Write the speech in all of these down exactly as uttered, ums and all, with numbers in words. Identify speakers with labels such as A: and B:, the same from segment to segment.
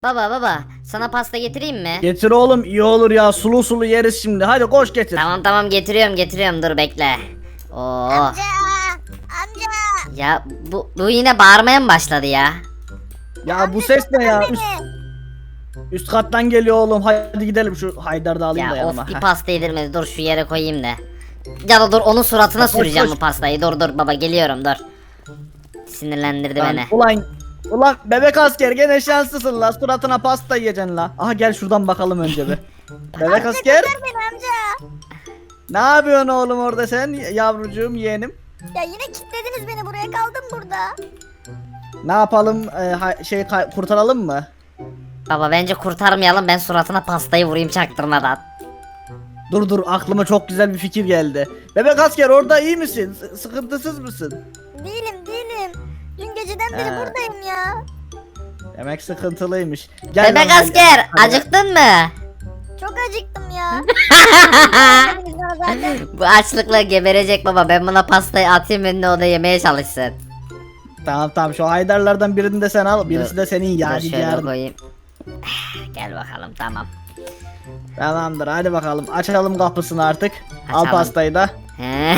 A: Baba baba sana pasta getireyim mi?
B: Getir oğlum, iyi olur ya, sulu sulu yeriz şimdi. Hadi koş getir.
A: Tamam tamam getiriyorum getiriyorum dur bekle. Oo.
C: Amca! Amca!
A: Ya bu, bu yine bağırmaya mı başladı ya?
B: Ya bu ses ne ya? Üst,
C: Beni.
B: üst kattan geliyor oğlum. Hadi gidelim, şu Haydar'ı da alayım da
A: Ya
B: yanıma.
A: of bir
B: Heh.
A: pasta yedirmedi, dur şu yere koyayım da. Ya da dur onun suratına
B: Koş,
A: süreceğim
B: koş.
A: bu pastayı, dur dur baba geliyorum dur. Sinirlendirdi
B: Lan,
A: beni.
B: Ulan Ulan bebek asker gene şanslısın la, suratına pasta yiyeceksin la. Aha gel şuradan bakalım önce bir. Bebek asker,
C: Kurtar beni amca.
B: ne yapıyorsun oğlum orada sen, yavrucuğum, yeğenim?
C: Ya yine kilitlediniz beni buraya, kaldım burada.
B: Ne yapalım, e, ha- şey kay- kurtaralım mı?
A: Baba bence kurtarmayalım, ben suratına pastayı vurayım çaktırmadan.
B: Dur dur, aklıma çok güzel bir fikir geldi. Bebek asker orada iyi misin? S- sıkıntısız mısın?
C: Değilim değilim. Dün geceden beri
B: He.
C: buradayım ya.
B: Demek sıkıntılıymış. Gel
A: Bebek
B: lan, gel.
A: asker
B: Hadi.
A: acıktın mı?
C: Çok acıktım ya. Dediniz bana zaten.
A: Bu açlıkla geberecek baba, ben buna pastayı atayım önüne, o da yemeye çalışsın.
B: Tamam tamam, şu Haydarlardan birini de sen al, birisi
A: Dur,
B: de senin
A: Dur şöyle
B: yadigarın.
A: koyayım. Gel bakalım tamam.
B: Tamamdır, hadi bakalım, açalım kapısını artık. Al
A: Açalım.
B: pastayı da.
A: He.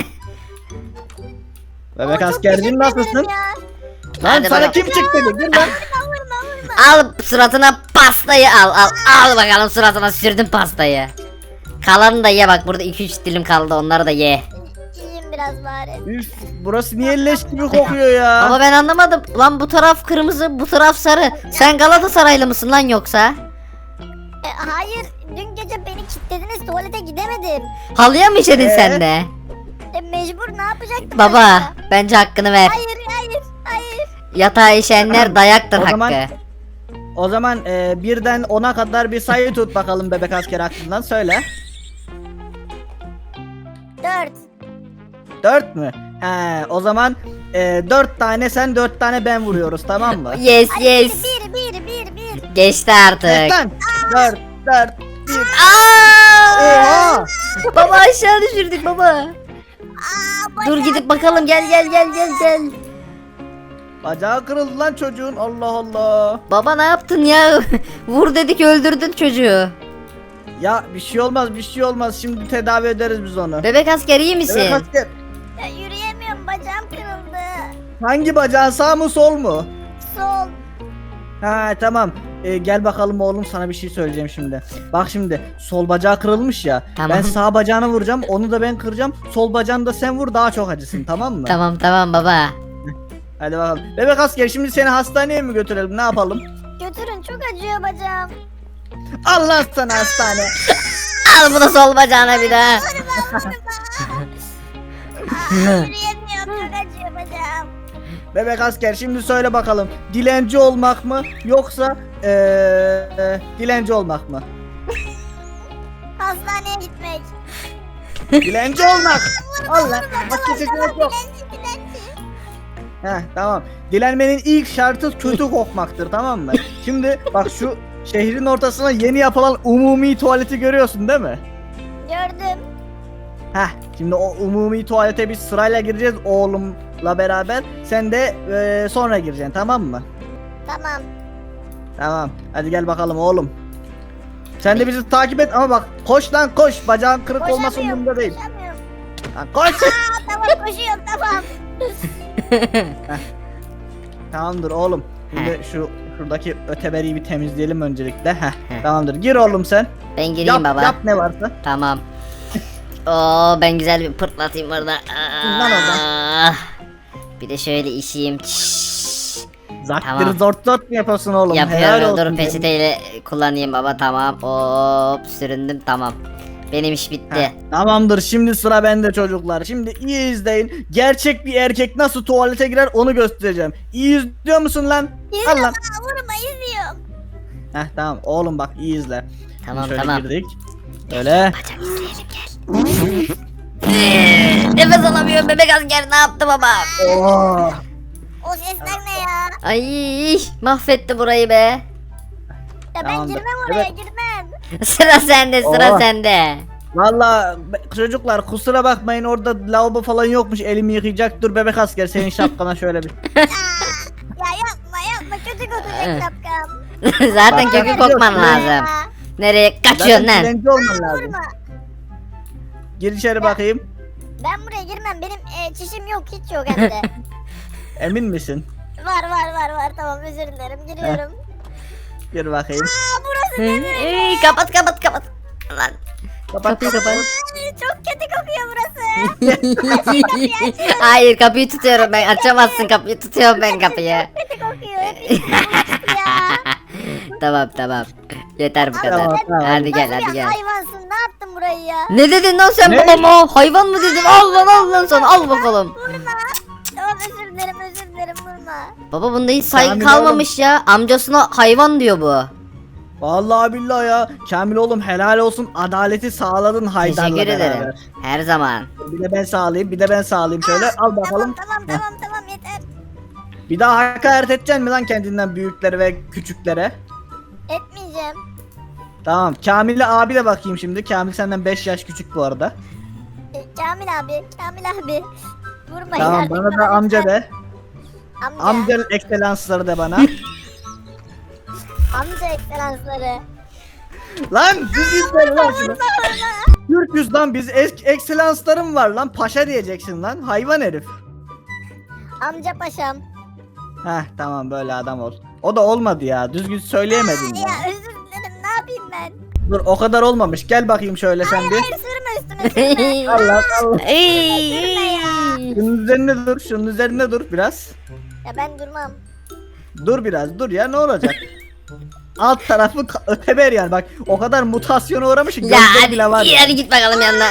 B: Bebek
C: Ama çok
B: askerciğim,
C: teşekkür
B: nasılsın?
C: ederim ya.
B: Lan
A: Hadi
B: sana
A: bakalım.
B: kim çıktı? Gir lan.
C: Vurma vurma vurma.
A: Al suratına pastayı, al al al bakalım, suratına sürdüm pastayı. Kalanını da ye, bak burada iki üç dilim kaldı, onları da ye.
C: İyiyim biraz bari.
B: Üf, burası niye leş gibi kokuyor ya?
A: Ama ben anlamadım lan, bu taraf kırmızı bu taraf sarı. Sen Galatasaraylı mısın lan yoksa?
C: E, hayır, dün gece beni kilitlediniz, tuvalete gidemedim.
A: Halıya mı işedin
B: Ee?
A: sen de?
C: E, mecbur, ne yapacaktım
A: Baba
C: başka?
A: bence hakkını ver.
C: Hayır hayır hayır.
A: Yatağa işeyenler dayaktır
B: O
A: hakkı.
B: zaman- O zaman e, birden ona kadar bir sayı tut bakalım bebek asker aklından, söyle.
C: Dört.
B: Dört mü? He, o zaman e, dört tane sen, dört tane ben vuruyoruz, tamam mı?
A: Yes
C: Ay,
A: yes.
C: Bir bir bir bir.
A: Geçti artık.
B: Lan, dört, dört, bir.
A: Aa!
B: Oha!
A: Baba aşağı düşürdük baba.
C: Aa,
A: Dur gidip bakalım, gel gel gel gel gel.
B: Bacağı kırıldı lan çocuğun, Allah Allah.
A: Baba ne yaptın ya? Vur dedik öldürdün çocuğu.
B: Ya bir şey olmaz, bir şey olmaz, şimdi tedavi ederiz biz onu.
A: Bebek asker iyi misin?
B: Bebek asker,
C: Ya, yürüyemiyorum, bacağım kırıldı.
B: hangi bacağın, sağ mı sol mu?
C: Sol.
B: Ha tamam. Ee, gel bakalım oğlum, sana bir şey söyleyeceğim şimdi. Bak şimdi, sol bacağı kırılmış ya.
A: Tamam.
B: Ben sağ bacağını vuracağım, onu da ben kıracağım. Sol bacağını da sen vur, daha çok acısın, tamam mı?
A: Tamam tamam baba.
B: Hadi bakalım. Bebek asker, şimdi seni hastaneye mi götürelim, ne yapalım?
C: Götürün, çok acıyor bacağım.
B: Al lan sana hastane.
A: Al bunu sol bacağına bir daha.
C: Aa, yürüyemiyorum, çok acıyor bacağım.
B: Bebek asker, şimdi söyle bakalım. Dilenci olmak mı yoksa ee, e, dilenci olmak mı?
C: Hastaneye gitmek.
B: Dilenci olmak. Al lan. Bak
C: Tamam
B: seçenek
C: tamam,
B: yok.
C: dilenci dilenci.
B: Heh, tamam. Dilenmenin ilk şartı kötü kokmaktır, tamam mı? Şimdi bak, şu şehrin ortasına yeni yapılan umumi tuvaleti görüyorsun değil mi?
C: Gördüm.
B: Heh, şimdi o umumi tuvalete biz sırayla gireceğiz oğlumla beraber. Sen de eee, sonra gireceksin, tamam mı?
C: Tamam.
B: Tamam. Hadi gel bakalım oğlum. Sen de bizi takip et ama bak, koş lan koş. Bacağın kırık olması
C: Koşamıyorum,
B: umurumda değil.
C: koşamıyorum.
B: Lan koş.
C: Aa, tamam koşuyorum, tamam.
B: Tamamdır oğlum. Şimdi şu şuradaki öteberiyi bir temizleyelim öncelikle. Heh, tamamdır. Gir oğlum sen.
A: Ben gireyim
B: Yap,
A: baba.
B: yap ne varsa.
A: Tamam. Oo ben güzel bir pırtlatayım burada.
B: Lan oradan.
A: Ah. Bir de şöyle işeyim. Çiş.
B: Zaktır
A: Tamam.
B: zort zort mu yapıyorsun oğlum? Helal
A: Yapıyorum.
B: olsun
A: Dur
B: senin.
A: peçeteyle kullanayım baba, tamam. Hop süründüm, tamam. Benim iş bitti.
B: Heh, tamamdır, şimdi sıra bende çocuklar. Şimdi iyi izleyin. Gerçek bir erkek nasıl tuvalete girer onu göstereceğim. İyi izliyor musun lan? Al
C: İzliyorum,
B: lan.
C: aa, vurma, izliyorum.
B: Heh, tamam oğlum, bak iyi izle.
A: Tamam,
B: Şöyle
A: tamam.
B: girdik. Öyle.
A: Bacak izleyelim gel. Nefes alamıyorum, bebek asker ne yaptı baba?
B: Oo.
C: O sesler ne ya?
A: Ay mahvetti burayı be.
C: Ya ben
B: Tamamdır.
C: girmem oraya,
B: Evet.
A: Oh.
C: girmem.
A: Sıra sende, sıra
B: Oo.
A: sende.
B: Valla be- çocuklar, kusura bakmayın, orada lavabo falan yokmuş, elimi yıkayacak. Dur bebek asker, senin şapkana şöyle bir.
C: Aa, ya yapma yapma, kötü kokacak şapkam.
A: Zaten
B: Bak,
A: kökü
B: bak,
A: kokman
B: yok,
A: lazım.
C: Ya,
A: Nereye kaçıyorsun
B: Zaten
A: lan?
B: dilenci olman lazım.
C: vurma.
B: Gir içeri bakayım.
C: Ben buraya girmem. Benim e, çişim yok, hiç yok hem de.
B: Emin misin?
C: Var var var var, tamam, özür dilerim, giriyorum.
B: Gir bakayım.
C: Aa, burası ne böyle?
A: Ey, kapat kapat kapat. Lan.
B: Kapat
A: Kapıyı kapat.
C: Ay, çok kötü kokuyor burası.
A: Hayır kapıyı tutuyorum ben. Açamazsın kapıyı, tutuyorum ben kapıyyı.
C: Kötü kokuyor. Hep bulaştı ya.
A: Tamam tamam. Yeter bu kadar.
B: Tamam, tamam.
A: Hadi gel
C: Nasıl
A: hadi
C: bir
A: gel.
C: hayvansın, ne yaptın burayı ya?
A: Ne dedin lan sen
B: Ne?
A: babama? Hayvan mı dedin? Al lan al lan sana, al bakalım.
C: Vurma. Tamam, özür dilerim, özür dilerim, vurma.
A: Baba bunda hiç saygı
B: Kamil
A: kalmamış ya. Amcasına hayvan diyor bu.
B: Vallahi billahi ya. Kamil oğlum helal olsun. Adaleti sağladın Haydar'la
A: Teşekkür
B: beraber.
A: ederim. Her zaman.
B: Bir de ben sağlayayım, bir de ben sağlayayım şöyle. Al bakalım.
C: Tamam tamam tamam tamam, yeter.
B: Bir daha hakaret edeceksin mi lan kendinden büyüklere ve küçüklere?
C: Etmeyeceğim.
B: Tamam. Kamil'e abi de bakayım şimdi. Kamil senden beş yaş küçük bu arada.
C: E, Kamil abi, Kamil abi. Vurma
B: Tamam
C: artık
B: bana da amca
C: lütfen.
B: de.
C: Amca.
B: Amca ekselansları de bana.
C: Amca ekselansları.
B: Lan düz söyle lan şunu. Türk yüz lan biz ek ekselanslarım var lan. Paşa diyeceksin lan. Hayvan herif.
C: Amca paşam.
B: Heh tamam böyle adam ol. O da olmadı ya. Düzgün söyleyemedin
C: Aa,
B: ya.
C: ya özür dilerim, ne yapayım ben?
B: Dur o kadar olmamış. Gel bakayım şöyle sen
C: Hayır
B: bir.
C: hayır, sürme üstüme, sürme.
B: Allah Allah.
A: Ey,
C: Sürme ya.
A: ey.
B: Şunun üzerine dur. Şunun üzerine dur biraz.
C: Ya ben durmam.
B: Dur biraz dur ya ne olacak? Alt tarafı ka- öteber yani bak o kadar mutasyona uğramışsın
A: Ya
B: gözleri
A: hadi,
B: bile var.
A: iyi, hadi git bakalım yanına.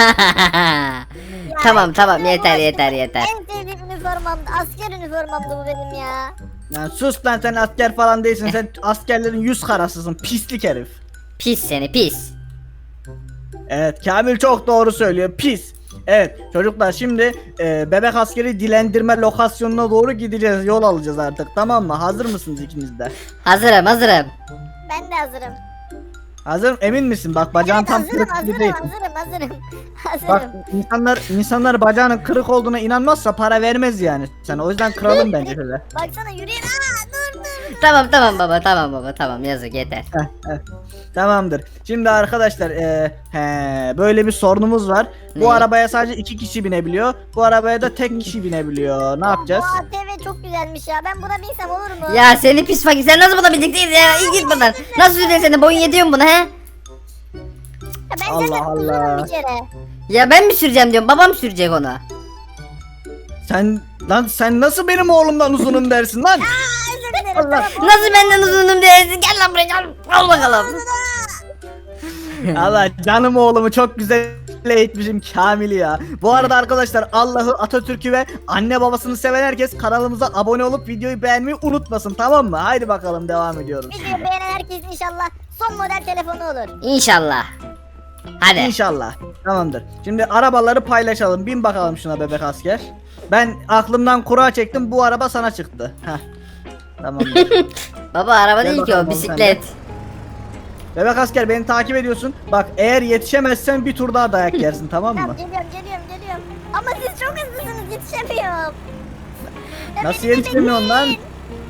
A: Tamam tamam
C: Ya,
A: yeter
C: bu
A: yeter
C: benim
A: yeter.
C: En sevdiğim üniformamdı. Asker üniformamdı bu benim ya.
B: Yani sus lan sen asker falan değilsin sen askerlerin yüz karasısın pislik herif.
A: Pis seni pis.
B: Evet Kamil çok doğru söylüyor pis. Evet çocuklar şimdi e, bebek askeri dilendirme lokasyonuna doğru gideceğiz yol alacağız artık tamam mı hazır mısınız ikiniz de?
A: Hazırım hazırım.
C: Ben de hazırım.
B: Hazır emin misin bak bacağın
C: Evet,
B: tam
C: hazırım
B: kırık gibi
C: hazırım
B: değil.
C: hazırım hazırım.
B: Bak
C: Hazırım.
B: insanlar insanlar bacağının kırık olduğuna inanmazsa para vermez yani. Sen o yüzden kıralım bence şöyle.
C: Baksana yürüyün. Aa, dur dur.
A: Tamam tamam baba tamam baba tamam yazık yeter.
B: Heh, heh. Tamamdır. Şimdi arkadaşlar e, he, böyle bir sorunumuz var. Bu
A: Ne?
B: arabaya sadece iki kişi binebiliyor. Bu arabaya da tek kişi binebiliyor. Ne yapacağız?
C: Bu A T V çok güzelmiş ya. Ben buna binsem olur mu?
A: Ya seni pis fakir, sen nasıl buna bineceksin ya? İyi git buradan. Nasıl süreceksin, senin boyun yetiyor mu buna he?
C: Ya ben
B: Allah
C: zaten
B: Allah.
C: uzunum bir kere.
A: Ya ben mi süreceğim diyorum, babam sürecek onu.
B: Sen lan sen nasıl benim oğlumdan uzunum dersin lan?
C: Aa, özür dilerim.
B: Allah.
C: Tamam,
A: Nasıl benden uzunum diyorsun, gel lan buraya gel. Al bakalım.
B: Allah canım oğlumu çok güzel eğitmişim Kamil'i ya. Bu arada arkadaşlar Allah'ı, Atatürk'ü ve anne babasını seven herkes kanalımıza abone olup videoyu beğenmeyi unutmasın tamam mı? Haydi bakalım devam ediyoruz.
C: Videoyu beğenen herkes inşallah son model telefonu olur.
A: İnşallah. Hadi.
B: İnşallah. Tamamdır. Şimdi arabaları paylaşalım. Bin bakalım şuna bebek asker. Ben aklımdan kura çektim. Bu araba sana çıktı. Heh. Tamamdır.
A: Baba araba
B: Gel
A: değil ki
B: bakalım
A: o,
B: oğlum
A: bisiklet.
B: Bebek asker beni takip ediyorsun. Bak eğer yetişemezsen bir tur daha dayak yersin tamam
C: Tamam,
B: mı?
C: geliyorum geliyorum geliyorum. Ama siz çok hızlısınız, yetişemiyorum. Ya
B: Nasıl
C: beni de
B: yetişemiyorsun lan?
C: bekleyin.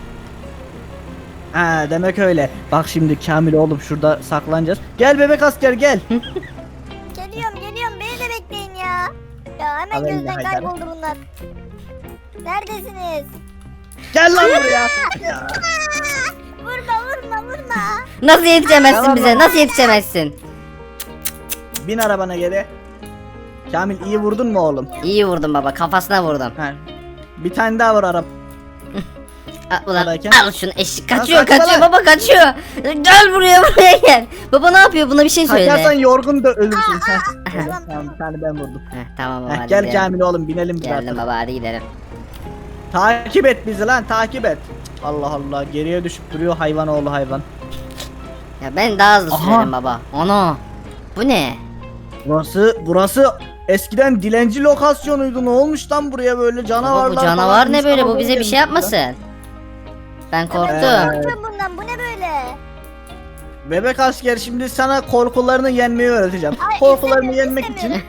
B: Ha demek öyle. Bak şimdi Kamil oğlum şurada saklanacağız. Gel bebek asker gel.
C: Geliyorum geliyorum, beni de bekleyin ya. Ya hemen
B: Haber
C: gözden
B: Haydar.
C: kayboldu bunlar. Neredesiniz?
B: Gel lan buraya.
C: Aa, vurma vurma vurma.
A: Nasıl yetişemezsin
B: Tamam,
A: bize,
B: tamam.
A: nasıl yetişemezsin?
B: Bin arabana geri. Kamil iyi vurdun mu oğlum?
A: İyi vurdum baba, kafasına vurdum.
B: Ha. Bir tane daha var araba.
A: Al, ulan,
B: Buradayken-
A: al şunu, eşek kaçıyor
B: kaçma
A: kaçıyor
B: lan.
A: baba, kaçıyor. Gel buraya buraya gel. Baba ne yapıyor, buna bir şey
B: Kaçarsan
A: söyle.
B: yorgun da ölürsün. Heh.
C: tamam,
B: Tamam bir tane ben vurdum.
A: Heh, tamam baba
B: Heh,
A: hadi
B: gel
A: gidelim.
B: Kamil oğlum binelim biz
A: Geldim
B: artık.
A: baba, hadi gidelim.
B: Takip et bizi lan takip et. Allah Allah geriye düşüp duruyor hayvan oğlu hayvan.
A: Ya ben daha hızlı
B: Aha.
A: sürerim baba. Ana. Bu ne?
B: Burası burası eskiden dilenci lokasyonuydu. Ne olmuş lan buraya böyle
A: Baba
B: canavarlar
A: bu
B: falan,
A: canavar ne böyle, bu
B: insanoğlu
A: bize bir
B: gelmiş
A: şey
B: ya.
A: yapmasın. Ben korktum.
B: Ee,
C: Korktum bundan, bu ne böyle?
B: Bebek asker şimdi sana korkularını yenmeyi öğreteceğim.
C: Ay,
B: korkularını
C: istemiyorum,
B: yenmek için
C: istemiyorum.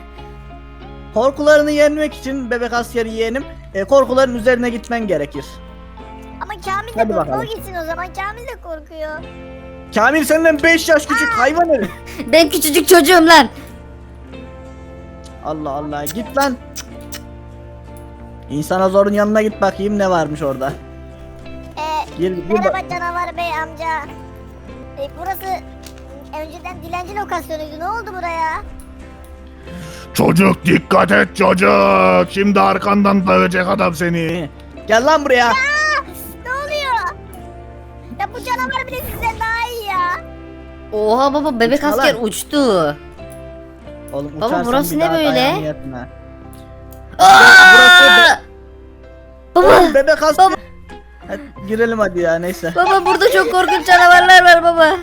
B: korkularını yenmek için bebek asker yeğenim e, korkuların üzerine gitmen gerekir.
C: Ama Kamil de
B: Hadi
C: korkuyor. O
B: bakalım.
C: gitsin o zaman. Kamil de korkuyor.
B: Kamil senden beş yaş küçük hayvan herif.
A: Ben küçücük çocuğum lan.
B: Allah Allah git lan. İnsana zorun yanına git bakayım ne varmış orada.
C: Ee,
B: Gir, gir
C: merhaba
B: bak.
C: canavar bey amca. Ee, burası önceden dilenci lokasyonuydu. Ne oldu buraya?
D: Çocuk dikkat et çocuk. Şimdi arkandan dövecek adam seni.
B: Gel lan buraya.
C: Ne oluyor? Ya bu canavar bile sizden daha iyi ya.
A: Oha baba bebek
B: Uçma
A: asker
B: lan.
A: uçtu.
B: Oğlum
A: Baba,
B: uçarsan
A: burası
B: bir
A: ne
B: daha
A: böyle?
B: ayağını yatma.
A: Aa! Baba
B: Oğlum bebek hasta. Hadi girelim hadi ya neyse.
A: baba burada çok korkunç canavarlar var baba.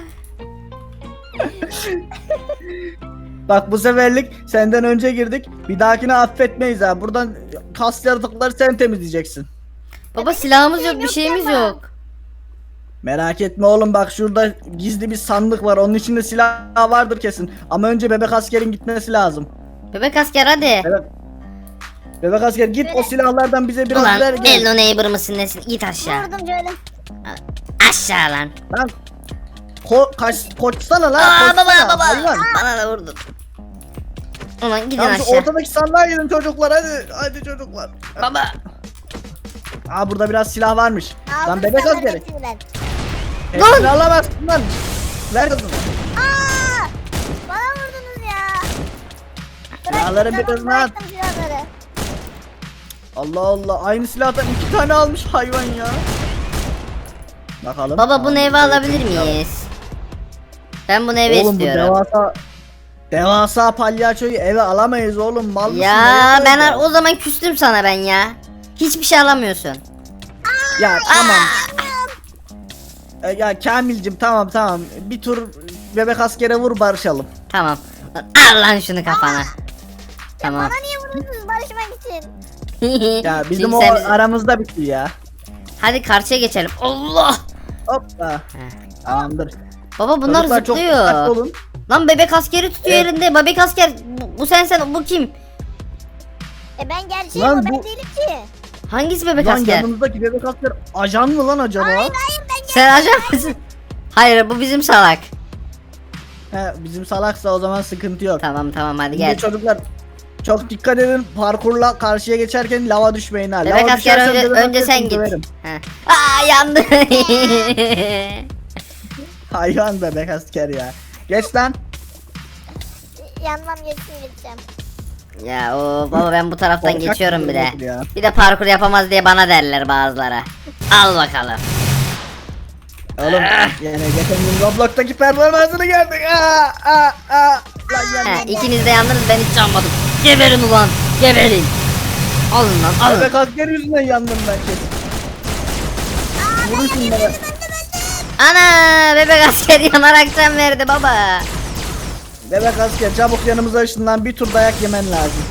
B: Bak bu seferlik senden önce girdik. Bir dahakine affetmeyiz ha. Buradan kas yaratıkları sen temizleyeceksin.
A: Baba silahımız yok bir
C: yok
A: şeyimiz
C: yapma.
A: yok.
B: Merak etme oğlum bak şurada gizli bir sandık var. Onun içinde silah vardır kesin. Ama önce bebek askerin gitmesi lazım.
A: Bebek asker hadi.
B: Bebek, bebek asker git o silahlardan bize biraz
A: Ulan
B: ver gel.
A: Hello Neighbor mısın nesin? Git aşağı.
C: Vurdum şöyle.
A: Aşağı lan.
B: Lan ko kaç koçsana lan.
A: Aa
B: koşsana,
A: baba baba.
B: hayvan.
A: Bana da vurdun. Ulan gidin
B: Tamam şu
A: aşağı.
B: ortadaki sandığa gidin çocuklar hadi. Hadi çocuklar.
A: Baba.
B: Aa burada biraz silah varmış.
C: Aldım
B: Lan bebek
C: silahların
B: askeri.
C: hepsini ben.
B: Hepsini alamazsın lan. Ver kızım.
C: Aa! Bana vurdunuz ya.
B: Silahları bir
C: tamam,
B: kızına at.
C: bıraktım silahları.
B: Allah Allah aynı silahtan iki tane almış hayvan ya. Bakalım.
A: Baba bunu
B: Aa,
A: eve alabilir miyiz? Ben bunu eve
B: Oğlum bu
A: istiyorum.
B: devasa devasa palyaçoyu eve alamayız oğlum mal mısın?
A: Ya
B: Nereye
A: ben
B: koyacağız?
A: ar- o zaman küstüm sana ben ya. Hiçbir şey alamıyorsun.
B: Ya tamam. E, ya Kamilcim tamam tamam bir tur bebek askere vur barışalım.
A: Tamam. Al lan şunu kafana. Tamam.
C: Bana niye vuruyorsunuz barışmak için?
B: Ya bizim
A: Şimdi
B: o
A: sen-
B: aramızda bitti ya.
A: Hadi karşıya geçelim. Allah.
B: Hoppa. Tamamdır.
A: Baba bunlar
B: Çocuklar çok
A: zıplıyor.
B: dikkatli olun.
A: Lan bebek askeri tutuyor
B: Evet.
A: elinde. Bebek asker bu, bu sen sen bu kim?
C: E ben gerçeğim
B: Lan
C: o ben
B: bu-
C: değilim ki.
A: Hangisi bebek
B: Lan
A: asker?
B: yanımızdaki bebek asker ajan mı lan acaba?
C: Hayır hayır ben
A: Sen ajan mısın? Hayır bu bizim salak.
B: He, bizim salaksa o zaman sıkıntı yok.
A: Tamam tamam hadi
B: Şimdi
A: gel.
B: çocuklar çok dikkat edin parkurla karşıya geçerken lava düşmeyin ha.
A: Bebek
B: Lava
A: asker
B: düşersen
A: önce,
B: bebek
A: önce
B: asker
A: sen
B: seni
A: git.
B: döverim.
A: He. Aa yandı.
B: Hayvan bebek asker ya. Geç lan.
C: yanmam geçsin gideceğim.
A: Ya o baba ben bu taraftan
B: Korkak
A: geçiyorum bir de.
B: bir ya.
A: Bir de parkur yapamaz diye bana derler bazıları. Al bakalım.
B: Oğlum yani geçen gün Roblox'taki performansını gördük. Aa, aa, aa. Lan
A: He,
B: yani.
A: ikiniz de yandınız ben hiç yanmadım. Geberin ulan. Geberin. Alın lan alın.
B: Bebek asker yüzünden yandım ben kesin. Vurun şunlara.
A: Ana bebek asker yanarak can verdi baba.
B: Bebek asker çabuk yanımıza ışınlan bir tur dayak yemen lazım.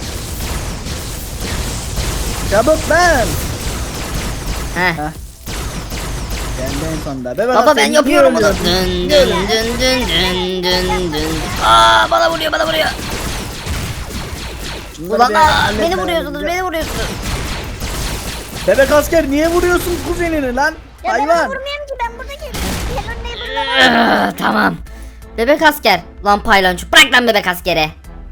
B: Çabuk lan.
A: Heh.
B: Geldi en sonunda. Bebek
A: Baba
B: asker
A: ben
B: niye
A: yapıyorum bunu.
B: ölüyorsun?
A: Dün dün dün dün dün dün dün. Aa bana vuruyor bana vuruyor.
B: Şunları
A: Ulan
B: bir
A: aa,
B: halletmem
A: beni vuruyorsunuz
B: lazım.
A: beni vuruyorsunuz.
B: Bebek asker niye vuruyorsun kuzenini lan?
C: Ya ben
B: Hayvan.
C: onu vurmuyorum ki ben buradaki Hello Neighbor'la var.
A: Aa, tamam. Bebek asker. Lan paylancı bırak lan bebek askere.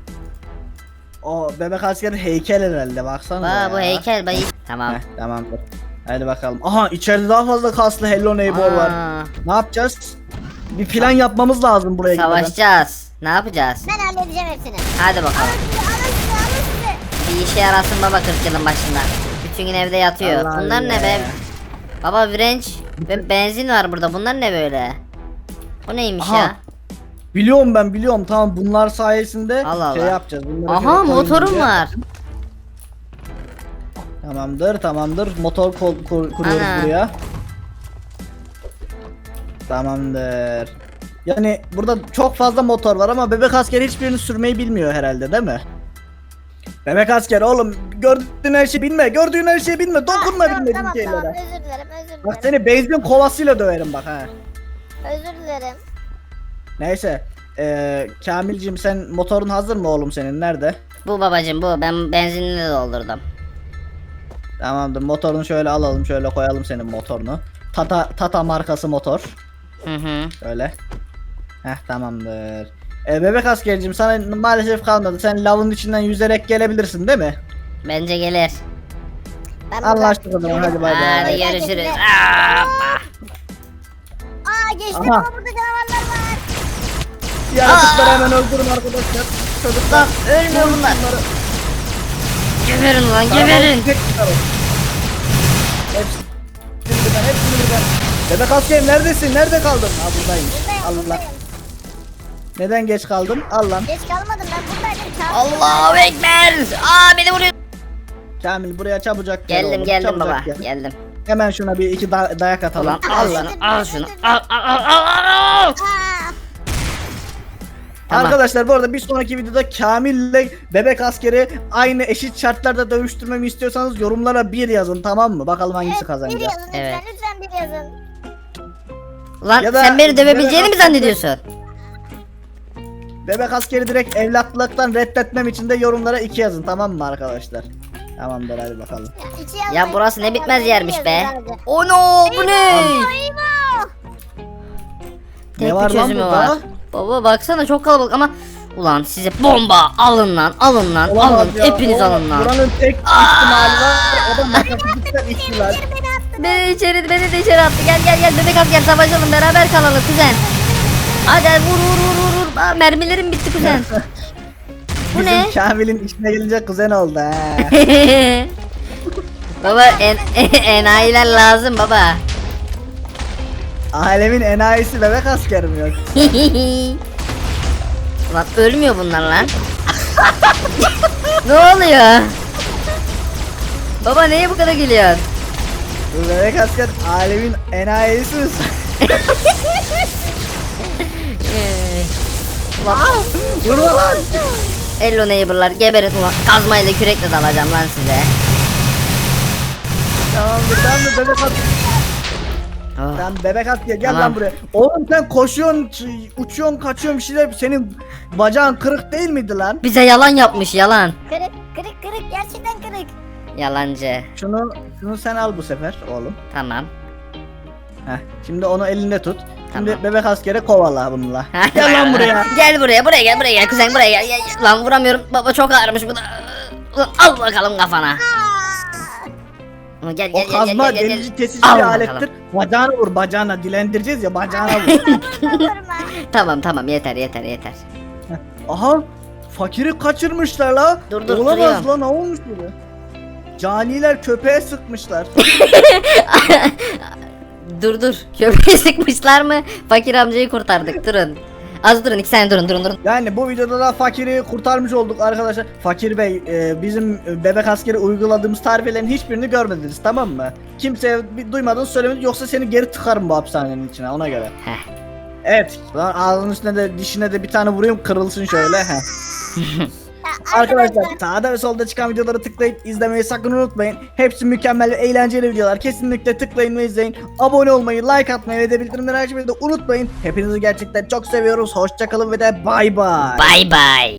B: O bebek asker heykel herhalde baksana.
A: Aa bu heykel bayı. Tamam.
B: Heh, tamamdır. Hadi bakalım. Aha içeride daha fazla kaslı Hello Neighbor var.
A: Aa,
B: Ne yapacağız? Bir plan yapmamız lazım buraya gitmeden.
A: savaşacağız. Ne yapacağız?
C: Ben halledeceğim hepsini.
A: Hadi bakalım.
C: Alın size alın size alın size.
A: Bir işe yarasın baba kırk yılın başında. Bütün gün evde yatıyor.
B: Allah
A: Bunlar ne
B: Allah.
A: be? Baba virenç ve benzin var burada. Bunlar ne böyle? O neymiş
B: Aha,
A: ya?
B: Biliyorum ben biliyorum tamam bunlar sayesinde
A: Allah
B: şey
A: Allah.
B: yapacağız. Bunları
A: Aha
B: şöyle koyun
A: motorum
B: buraya.
A: var.
B: Tamamdır tamamdır motor kol, kur- kuruyoruz
A: Ana.
B: buraya. Tamamdır. Yani burada çok fazla motor var ama bebek asker hiçbirini sürmeyi bilmiyor herhalde değil mi? Bebek asker oğlum gördüğün her şeyi bilme gördüğün her şeyi bilme dokunma
C: Ah, tamam,
B: bilmediğin
C: tamam,
B: şeylere.
C: tamam, özür dilerim özür
B: Bak
C: dilerim.
B: seni benzin kovasıyla döverim bak ha.
C: Özür dilerim.
B: Neyse. Ee, Kamilcim sen motorun hazır mı oğlum senin nerede?
A: Bu babacım bu. Ben benzinini doldurdum.
B: Tamamdır motorunu şöyle alalım şöyle koyalım senin motorunu. Tata Tata markası motor.
A: Hı hı.
B: Öyle. Heh tamamdır. E, bebek askerciğim sana maalesef kalmadı. Sen lavın içinden yüzerek gelebilirsin değil mi?
A: Bence gelir.
C: Ben
B: Anlaştık o zaman hadi bay
A: Hadi
B: bay.
A: görüşürüz.
C: Aa,
A: Aa,
C: Aa geçtim
B: Aha.
C: ama burada canavarlar var.
B: Yaratıkları hemen öldürün arkadaşlar. Çocuklar
A: ölmüyor bunlar.
B: bunları-
A: Geberin lan
B: Tamam,
A: geberin.
B: tek tutalım. Hepsini birden, hepsini birden. Bebek askerim neredesin? Nerede kaldın? Ha buradayım.
C: Buradayım,
B: Allah.
C: buradayım.
B: Neden geç kaldın? Al lan.
C: Geç kalmadım ben buradaydım. Kamil.
A: Allahu ekber. Aa beni vuruyor.
B: Kamil buraya çabucak gel
A: Geldim
B: oğlum,
A: geldim
B: çabucak
A: baba.
B: gel.
A: Geldim.
B: Hemen şuna bir iki da- dayak atalım.
A: Ulan
B: Al
A: al
B: lan.
A: şunu al şunu. Al al al al al.
C: Aa,
A: Tamam.
B: Arkadaşlar bu arada bir sonraki videoda Kamil ile bebek askeri aynı eşit şartlarda dövüştürmemi istiyorsanız yorumlara bir yazın tamam mı? Bakalım hangisi
C: evet, bir
B: kazanacak.
C: yazın lütfen
A: Evet.
C: lütfen bir yazın.
A: Ulan
B: Ya da-
A: sen beni dövebileceğini mi
B: bebek
A: zannediyorsun?
B: Bebek askeri direkt evlatlıktan reddetmem için de yorumlara iki yazın tamam mı arkadaşlar? Tamamdır hadi bakalım.
C: Ya, iki yazmayın.
A: Ya burası ne bitmez
C: Yazın, bir
A: yermiş
C: yazın
A: be.
C: sadece.
A: O no bu ne?
C: Eyvah!
A: Tek
B: Ne
A: bir
B: var lan
A: çözümü
B: burada?
A: var. Baba baksana çok kalabalık ama ulan size bomba alın lan alın lan
B: Olamaz
A: alın
B: ya,
A: hepiniz
B: o-
A: alın lan.
B: Buranın tek ihtimali var. O da matematikten ihtilal.
C: Biri beni attı.
A: Beni içeri beni de içeri attı gel gel gel bebek asker savaşalım beraber kalalım kuzen. Hadi hadi, vur vur vur vur vur. Aa, mermilerim bitti kuzen. Bu
B: Bizim
A: ne?
B: Kamil'in işine gelince kuzen oldu ha.
A: Baba en, enayiler lazım baba.
B: Alemin enayisi bebek asker mi yok?
A: Ulan ölmüyor bunlar lan. Ne oluyor? Baba neye bu kadar gülüyorsun?
B: Bu bebek asker alemin enayisi mi?
A: Ee, Ulan
B: Vurma lan!
A: Hello neighbor'lar geberin ulan kazmayla kürekle dalacağım lan size.
B: Tamamdır tamamdır bebek asker.
A: Oh.
B: Sen bebek asker gel
A: Tamam.
B: lan buraya. Oğlum sen koşuyorsun, ç- uçuyorsun, kaçıyorsun bir şeyler. Senin bacağın kırık değil miydi lan?
A: Bize yalan yapmış yalan.
C: Kırık kırık kırık gerçekten kırık.
A: Yalancı.
B: Şunu şunu sen al bu sefer oğlum.
A: Tamam.
B: Heh. Şimdi onu elinde tut. Şimdi
A: Tamam.
B: bebek askere kovala bununla. Gel lan buraya.
A: Gel buraya buraya gel buraya gel kuzen buraya gel, gel. gel. Lan vuramıyorum baba çok ağırmış bu da. Ulan al bakalım kafana.
C: Aa,
A: Ulan Gel
B: O
A: gel gel
B: kazma
A: gel gel.
B: delici
A: gel.
B: kesici
A: Al
B: bir
A: bakalım.
B: alettir. Bacağına vur bacağına dilendireceğiz ya bacağına vur.
C: vurma vurma.
A: Tamam tamam yeter yeter yeter.
B: Aha fakiri kaçırmışlar la.
A: Dur, dur,
B: Olamaz
A: duruyorum.
B: lan ne olmuş böyle? Caniler köpeğe sıkmışlar.
A: Dur dur. Köpeği sıkmışlar mı? Fakir amcayı kurtardık durun. Az durun iki saniye durun durun durun.
B: Yani bu videoda da fakiri kurtarmış olduk arkadaşlar. Fakir Bey e, bizim bebek askeri uyguladığımız tarifelerin hiçbirini görmediniz tamam mı? Kimseye bir duymadınız söylemediniz yoksa seni geri tıkarım bu hapishanenin içine ona göre.
A: Heh.
B: Evet lan ağzının üstüne de dişine de bir tane vurayım kırılsın şöyle. Heh.
C: Ya,
B: Arkadaşlar sağda ve solda çıkan videoları tıklayıp izlemeyi sakın unutmayın. Hepsi mükemmel ve eğlenceli videolar. Kesinlikle tıklayın ve izleyin. Abone olmayı, like atmayı ve de bildirimleri açmayı da unutmayın. Hepinizi gerçekten çok seviyoruz. Hoşçakalın ve de bay bay.
A: Bye bye.